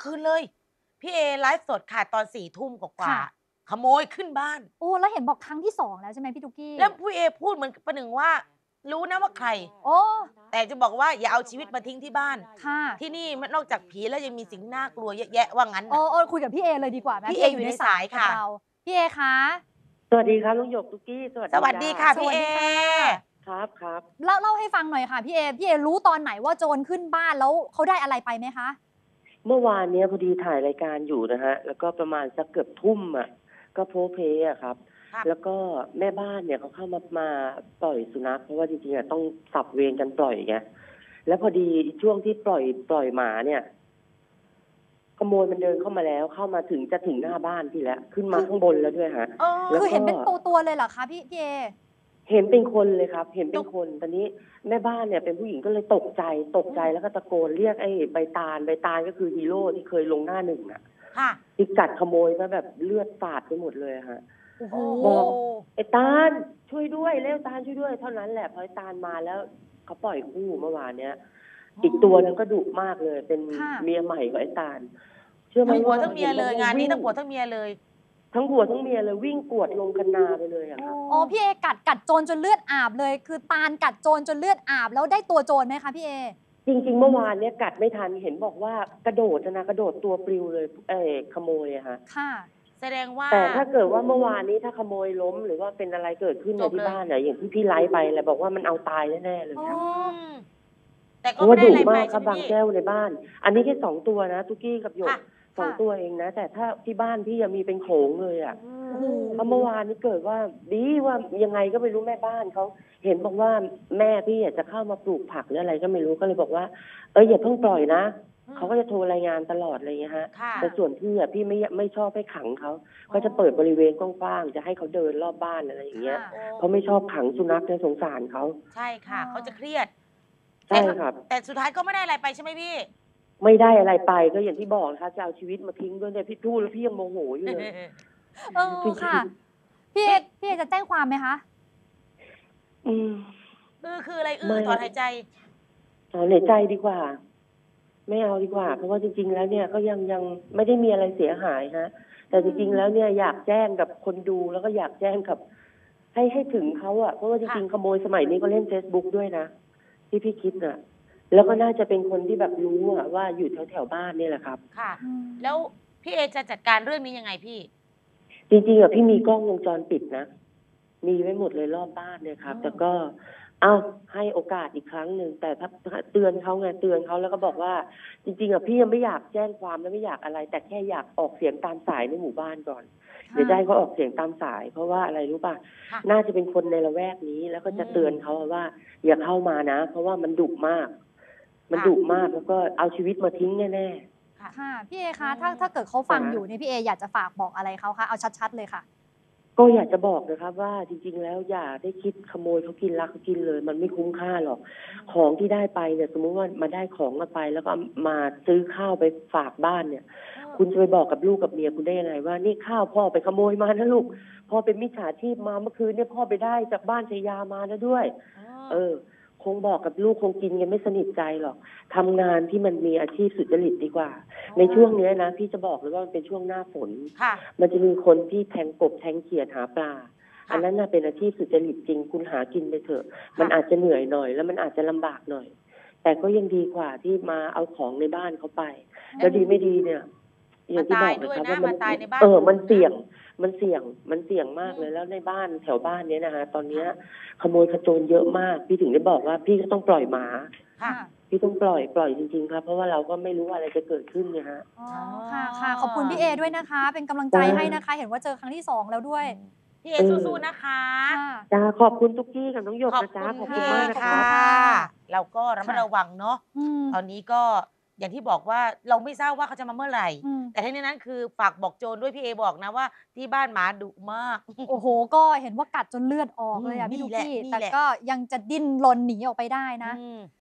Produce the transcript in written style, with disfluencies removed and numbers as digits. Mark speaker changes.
Speaker 1: คืนเลยพี่เอไลฟ์สดค่ะตอน4 ทุ่มกว่า
Speaker 2: ค่ะ
Speaker 1: ๆขโมยขึ้นบ้าน
Speaker 2: โอ้แล้วเห็นบอกครั้งที่2แล้วใช่ไหมพี่ตุ๊กกี้
Speaker 1: แล้วพี่เอพูดเหมือนประหนึ่งว่ารู้นะว่าใคร
Speaker 2: โอ้
Speaker 1: แต่จะบอกว่าอย่าเอาชีวิตมาทิ้งที่บ้าน
Speaker 2: ค่ะ
Speaker 1: ที่นี่มันนอกจากผีแล้วยังมีสิ่งน่ากลัวเยอะแยะว่างั้น
Speaker 2: เอ
Speaker 1: น่ะ
Speaker 2: อคุยกับพี่เอเลยดีกว่าไหม
Speaker 1: พี่
Speaker 2: พี่เออยู่ใน
Speaker 1: เออยู่ใน
Speaker 2: สายกับ
Speaker 1: สายค่ะ
Speaker 2: เราพี่เอคะ
Speaker 3: สวัสดีครับลุงหยกตุ๊กกี้สวัส
Speaker 1: สวัส
Speaker 3: ดีจ้า
Speaker 1: ดีค่ะพี่เอ
Speaker 2: สวัสดีค่ะ
Speaker 3: ครับครับ
Speaker 2: เล่าให้ฟังหน่อยค่ะพี่เอรู้ตอนไหนว่าโจรขึ้นบ้านแล้วเขาได้อะไรไปไหมคะ
Speaker 3: เมื่อวานเนี้ยพอดีถ่ายรายการอยู่นะฮะแล้วก็ประมาณสักเกือบทุ่มอ่ะก็โพเพอะครับ
Speaker 1: ครับ
Speaker 3: แล้วก็แม่บ้านเนี่ยเขาเข้ามาปล่อยสุนัขเพราะว่าจริงๆอะต้องสับเวรกันปล่อยไงแล้วพอดีช่วงที่ปล่อยหมาเนี่ยขโมยมันเดินเข้ามาแล้วเข้ามาถึงจะถึงหน้าบ้านพี่แล้วขึ้นมา
Speaker 2: คือ
Speaker 3: ข้างบนแล้วด้วยฮะ
Speaker 1: เออ
Speaker 2: คือ
Speaker 3: แล้วก็
Speaker 2: เห็นเป็นตัวเลยเหรอคะพี่เอ
Speaker 3: เห็นเป็นคนเลยครับ เห็น
Speaker 1: ต
Speaker 3: เป็น
Speaker 1: ก
Speaker 3: คนตอนนี้แม่บ้านเนี่ยเป็นผู้หญิงก็เลยตกใจแล้วก็ตะโกนเรียกไอ้ใบตาลก็คือฮีโร่ที่เคยลงหน้าหนึ่งน่ะ
Speaker 1: ค่ะ
Speaker 3: ที่กัดขโมยซะแบบเลือดสาดไปหมดเลยอะฮะ
Speaker 2: โอ้โห
Speaker 1: โอ้โห
Speaker 3: บอกไอ้ตาลช่วยด้วยเร็วตาลช่วยด้วยเท่านั้นแหละพอไอ้ตาลมาแล้วเขาปล่อยคู่เมื่อวานเนี้ยอีกตัวนึงก็ดุมากเลย เป็น
Speaker 2: ค่ะ
Speaker 3: เมียใหม่ของไอ้ตาลเชื่อไหม
Speaker 1: ทั้งผัว
Speaker 3: ว่า
Speaker 1: ทั้งเมียเลยงานนี้ทั้งผัวทั้งเมียเลย
Speaker 3: ทั้งผัวทั้งเมียเลยวิ่งกวดลงคันนาไปเลยอะครับ
Speaker 2: อ๋อพี่เอกัดโจรจนเลือดอาบเลยคือตาลกัดโจรจนเลือดอาบแล้วได้ตัวโจรไหมคะพี่เอ
Speaker 3: จริงๆเมื่อวานเนี่ยกัดไม่ทันเห็นบอกว่ากระโดดนะกระโดดตัวปลิวเลยขโมยอะฮะ
Speaker 2: ค่ะ
Speaker 1: แสดงว่า
Speaker 3: แต่ถ้าเกิดว่าเมื่อวานนี้ถ้าขโมยล้มหรือว่าเป็นอะไรเกิดขึ้นในที่บ้านเนี่ยอย่างที่พี่ไลฟ์ไปแหละบอกว่ามันเอาตายแน่ๆเลย
Speaker 2: อ๋อ
Speaker 3: ครับ
Speaker 1: อืมแต่
Speaker 3: เพราะว่าดุ
Speaker 1: ก็ไม่ได้อะไรไป
Speaker 3: มากครับบาง
Speaker 1: ใช่ไหมพี่
Speaker 3: แก้วในบ้านอันนี้แค่2 ตัวนะตุกกี้กับหยก
Speaker 1: ค่ะ
Speaker 3: 2 ตัวเองนะแต่ถ้าที่บ้านพี่ยังมีเป็นโขลงเลยอ่ะ
Speaker 2: โอ้โห
Speaker 3: เพราะเมื่อวานนี้เกิดว่าดีว่ายังไงก็ไม่รู้แม่บ้านเขาเห็นบอกว่าแม่พี่อยากจะเข้ามาปลูกผักหรืออะไรก็ไม่รู้ก็เลยบอกว่าอย่าเพิ่งปล่อยนะเขาก็จะโทรรายงานตลอดอะไรอย่างเงี้ยฮะ
Speaker 1: ค่ะ
Speaker 3: แต่ส่วนพี่อ่ะพี่ไม่ชอบให้ขังเขาก็จะเปิดบริเวณกว้างๆจะให้เขาเดินรอบบ้านอะไรอย่างเงี้ย
Speaker 2: ค่ะ
Speaker 3: เพราะไม่ชอบขังสุนัขในยสงสารเขา
Speaker 1: ใช่ค่ะเขาจะเครียด
Speaker 3: ใช่ครับ
Speaker 1: แต่สุดท้ายก็ไม่ได้อะไรไปใช่ไหมพี่
Speaker 3: ไม่ได้อะไรไปก็อย่างที่บอกนะคะจะเอาชีวิตมาทิ้งด้วยเนี่ยพี่พูดแล้วพี่ยังโมโหอยู่เลย
Speaker 2: เออ
Speaker 3: จริง
Speaker 2: ค่ะพี่เอจะแจ้งความไหมคะ
Speaker 3: ๆ
Speaker 1: คืออะไร
Speaker 3: ไม่
Speaker 1: ถอนหายใจ
Speaker 3: ถอนหายใจดีกว่า ไม่เอาดีกว่า เพราะว่าจริงๆแล้วเนี่ยก็ยังไม่ได้มีอะไรเสียหายฮะแต่จริงๆแล้วเนี่ยอยากแจ้งกับคนดูแล้วก็อยากแจ้งกับให้ถึงเขาอะเพราะว่าจริงๆขโมยสมัยนี้ก็เล่น Facebook ด้วยนะที่พี่คิดน่ะแล้วก็น่าจะเป็นคนที่แบบรู้อะว่าอยู่แถวๆบ้านเนี่ยแหละครับ
Speaker 1: ค่ะแล้วพี่เอจะจัดการเรื่องนี้ยังไงพี่
Speaker 3: จริงๆอะพี่มีกล้องวงจรปิดนะมีไว้หมดเลยรอบบ้านเนี่ยครับแต่ก็ให้โอกาสอีกครั้งหนึ่งแต่ถ้าเตือนเขาไงเตือนเขาแล้วก็บอกว่าจริงๆอะพี่ยังไม่อยากแจ้งความและไม่อยากอะไร แต่แค่อยากออกเสียงตามสายในหมู่บ้านก่อนเดี๋ยวจะให้เขาออกเสียงตามสายเพราะว่าอะไรรู้ป่ะ
Speaker 1: ค่ะ
Speaker 3: น่าจะเป็นคนในละแวกนี้แล้วก็จะเตือนเขาว่า อย่าเข้ามานะ เพราะว่ามันดุมาก มันดุมากแล้วก็เอาชีวิตมาทิ้งแน่ๆ
Speaker 2: ค่ะพี่เอคะถ้าเกิดเขาฟังอยู่เนี่ยพี่เออยากจะฝากบอกอะไรเขาคะเอาชัดๆเลยค่ะ
Speaker 3: ก็อยากจะบอกนะครับว่าจริงๆแล้วอย่าได้คิดขโมยเขากินรักเขากินเลย มันไม่คุ้มค่าหรอกของที่ได้ไปเนี่ยสมมุติว่ามาได้ของมาไปแล้วก็มาซื้อข้าวไปฝากบ้านเนี่ย คุณจะไปบอกกับลูกกับเมียคุณได้ยังไงว่านี่ข้าวพ่อไปขโมยมานะลูกพ่อเป็นมิจฉาชีพมาเมื่อคืนเนี่ยพ่อไปได้จากบ้านชายามานะด้วย คงบอกกับลูกคงกินกันไม่สนิทใจหรอกทำงานที่มันมีอาชีพสุจริตดีกว่า ในช่วงนี้นะพี่จะบอกเลยว่ามันเป็นช่วงหน้าฝนมันจะมีคนที่แทงกบแทงเขียดหาปลาอันนั้นน่ะเป็นอาชีพสุจริตจริงคุณหากินไปเถอะมันอาจจะเหนื่อยหน่อยแล้วมันอาจจะลำบากหน่อย แต่ก็ยังดีกว่าที่มาเอาของในบ้านเขาไปแล้วดีไม่ดีเนี่ยอย่างที่บอกนะครับว่ามันมันเสี่ยงมันเสี่ยงมากเลยแล้วในบ้านแถวบ้านเนี้ยนะคะตอนเนี้ยขโมยขโจรเยอะมากพี่ถึงได้บอกว่าพี่ก็ต้องปล่อยหมาพี่ต้องปล่อยจริงๆครับเพราะว่าเราก็ไม่รู้อะไรจะเกิดขึ้นเนี่ยฮะ
Speaker 2: อ๋อค่ะขอบคุณพี่เอด้วยนะคะเป็นกำลังใจให้นะคะเห็นว่าเจอครั้งที่2แล้วด้วย
Speaker 1: พี่เอสู้ๆนะคะ
Speaker 3: จ้าขอบคุณตุ๊กกี้กับน้องหยกนะจ๊ะขอบคุณมากนะคะ
Speaker 1: เราก็ระมัดระวังเนาะตอนนี้ก็อย่างที่บอกว่าเราไม่ทราบว่าเขาจะมาเมื่อไหร่แต่ทั้งนี้นั้นคือฝากบอกโจรด้วยพี่เอบอกนะว่าที่บ้านหมาดุมาก
Speaker 2: โอ้โหก็เห็นว่ากัดจนเลือดออกเลยอ่ะพี่ดุกี้แต่ก็ยังจะดิ้นรนหนีออกไปได้นะ